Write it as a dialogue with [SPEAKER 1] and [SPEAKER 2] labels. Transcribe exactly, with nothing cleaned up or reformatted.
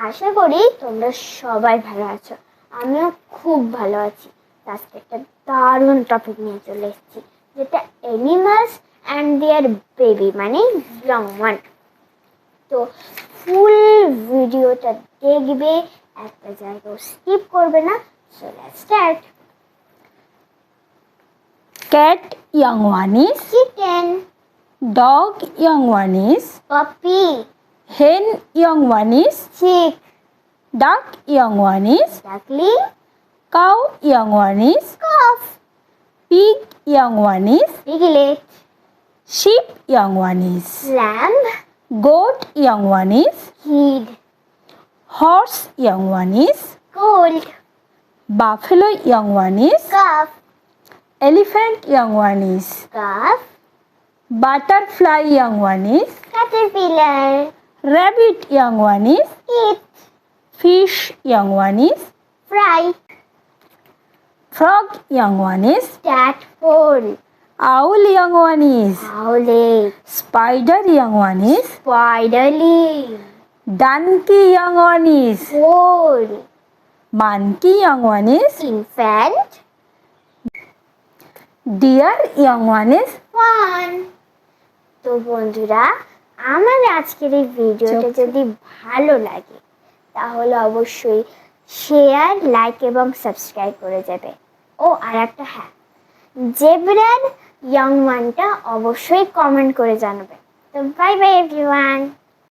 [SPEAKER 1] আশা করি তোমরা সবাই ভালো আছো। আমিও খুব ভালো আছি। আজকে একটা দারুণ টপিক নিয়ে চলে এসেছি, যেটা অ্যানিমালস অ্যান্ড দেয়ার বেবি মানে ইয়ং ওয়ান। তো ফুল ভিডিওটা দেখবে, একটা জায়গাও স্কিপ করবে না। So let's start.
[SPEAKER 2] Cat young one is,
[SPEAKER 1] chicken,
[SPEAKER 2] dog young one is,
[SPEAKER 1] puppy,
[SPEAKER 2] hen young one is,
[SPEAKER 1] chick,
[SPEAKER 2] duck young one is,
[SPEAKER 1] duckling,
[SPEAKER 2] cow young one is,
[SPEAKER 1] calf,
[SPEAKER 2] pig young one is,
[SPEAKER 1] piglet,
[SPEAKER 2] sheep young one is,
[SPEAKER 1] lamb,
[SPEAKER 2] goat young one is,
[SPEAKER 1] hid,
[SPEAKER 2] horse young one is,
[SPEAKER 1] gold,
[SPEAKER 2] buffalo young one is,
[SPEAKER 1] calf,
[SPEAKER 2] elephant young one is,
[SPEAKER 1] calf,
[SPEAKER 2] butterfly young one is,
[SPEAKER 1] caterpillar,
[SPEAKER 2] rabbit young one is,
[SPEAKER 1] eat,
[SPEAKER 2] fish young one is,
[SPEAKER 1] fry,
[SPEAKER 2] frog young one is,
[SPEAKER 1] tadpole,
[SPEAKER 2] owl young one is,
[SPEAKER 1] owlet,
[SPEAKER 2] spider young one is,
[SPEAKER 1] spiderling,
[SPEAKER 2] donkey young one is,
[SPEAKER 1] foal,
[SPEAKER 2] monkey young one is,
[SPEAKER 1] infant,
[SPEAKER 2] deer young one is,
[SPEAKER 1] fawn. তো বন্ধুরা, আমার আজকের এই ভিডিওটা যদি ভালো লাগে তাহলে অবশ্যই শেয়ার, লাইক এবং সাবস্ক্রাইব করে যাবে। ও আর একটা, হ্যাঁ, জেব্রার ইয়ং ওয়ানটা অবশ্যই কমেন্ট করে জানাবে। তো বাই বাই এভরিওয়ান।